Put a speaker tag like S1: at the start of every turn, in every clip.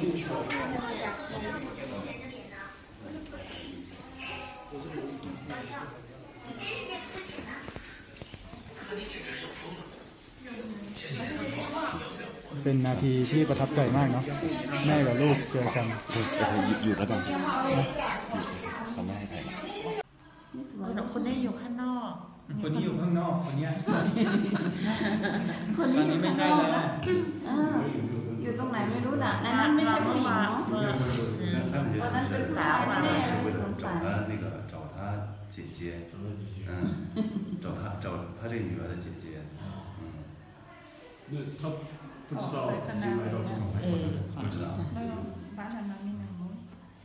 S1: เป็นนาทีที่ประทับใจมากเนาะแม่กับลูกเจอกัน
S2: อยู่แล้วกันเขาไม่ให้ถ่าย
S3: คนนี้อยู่ข้างนอก
S1: คนนี้อยู่ข้างนอกคนนี้ตอนนี้ไม่ใช่แล้ว
S4: อยู่ตรงไหนไม่รู้น่ะนั่นไม่ใช่ผู้หญิงเนาะตอนนั้นเป็นสาวแม่สงสาร
S2: 找他姐姐找他这个女儿的姐姐
S5: 那他不知道进来到这种
S2: 不知道
S3: บ้านนั้นไม่นานนู้น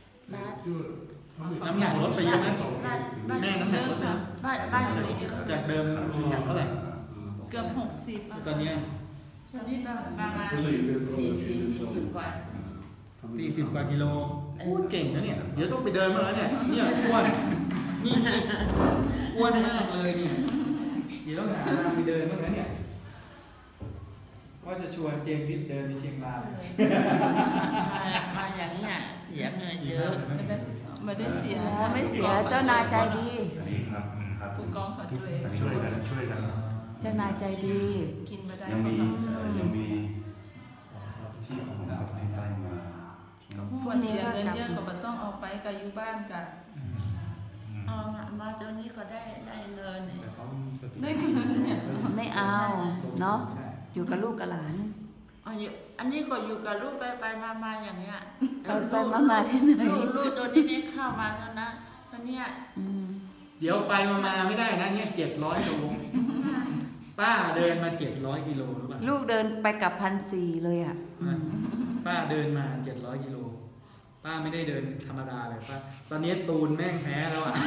S1: น้ำหนักลดไปเยอะไหมแม่น้ำหนักลดนะ
S3: บ้านอยู่เยอะ
S1: จากเดิมหนักเท่าไหร่
S3: เกือบ60
S1: ตอนนี้
S3: ประมาณ40กว่า
S1: 40 กว่ากิโลพูดเก่งนะเนี่ยเดี๋ยวต้องไปเดินมาแล้วเนี่ยอ้วนนี่อ้วนมากเลยเนี่ยเดี๋ยวต้องหาทางไปเดินบ้างนะเนี่ยว่าจะชวนเจมส์วิทย์เดินไปเชียงราย
S3: มาอย่างนี้เสียเงินเยอะไม่ได้เสีย
S4: ไม่เสียเจ้านายใจดี
S3: ผู้กองเขา
S5: ช่วยกัน
S4: เจ้านายใจดี
S3: กินไม่ได้
S2: ยังมีที่ของเราให้ได้มา
S3: พวกเสียเงินเยอะก็ต้องเอาไปกับอยู่บ้านกันมาเจ้านี้ก็ได้เงินได้เงินเนี่ย
S4: ไม่เอาเนาะอยู่กับลูกกับหลาน
S3: อันนี้ก็อยู่กับลูกไปมาอย่างเงี้ย
S4: ไปมาที่ไหน
S3: ลูกตัวนี้ไม่เข้ามาแล้วนะตอนเนี้ย
S1: เดี๋ยวไปมาไม่ได้นะเนี่ย700 โลป้าเดินมา700 กิโลหรือเปล่า
S4: ลูกเดินไปกับ1,400เลยอ่ะ
S1: ป้าเดินมา700 กิโลป้าไม่ได้เดินธรรมดาเลยป้าตอนนี้ตูนแม่งแพ้แล้วอ่ะ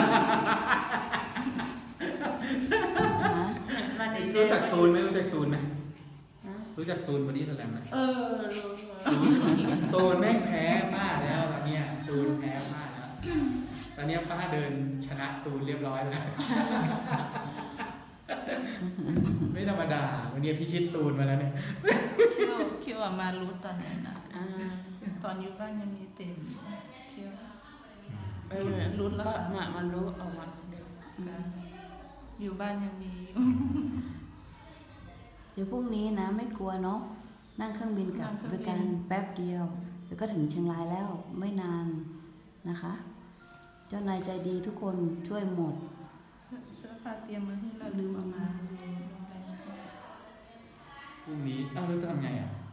S1: รู้จักตูนไหมรู้จักตูนไหมรู้จักตูนบอดี้สแลมไหมตูนแม่งแพ้ป้าแล้วตอนนี้ตูนแพ้ป้าแล้วตอนนี้ป้าเดินชนะตูนเรียบร้อยแล้วไม่ธรรมดาวันนี้พิชิตตูนมาแล้วเนี่ย
S3: คิดว่ามารู้ตอนนี้นะตอนอยู่บ้านยังมีเต็มคิดว่ารู้แล้วมันรู้ออกมาอยู่บ้านยังมี
S4: เดี๋ยวพรุ่งนี้นะไม่กลัวเนาะนั่งเครื่องบินกลับด้วยกันแป๊บเดียวเดี๋ยวก็ถึงเชียงรายแล้วไม่นานนะคะเจ้านายใจดีทุกคนช่วยหมด
S3: เสื้อผ้าเตรียมมาให้เราลืมเอามา
S1: พรุ่งนี้เราจะทำไงอ่ะ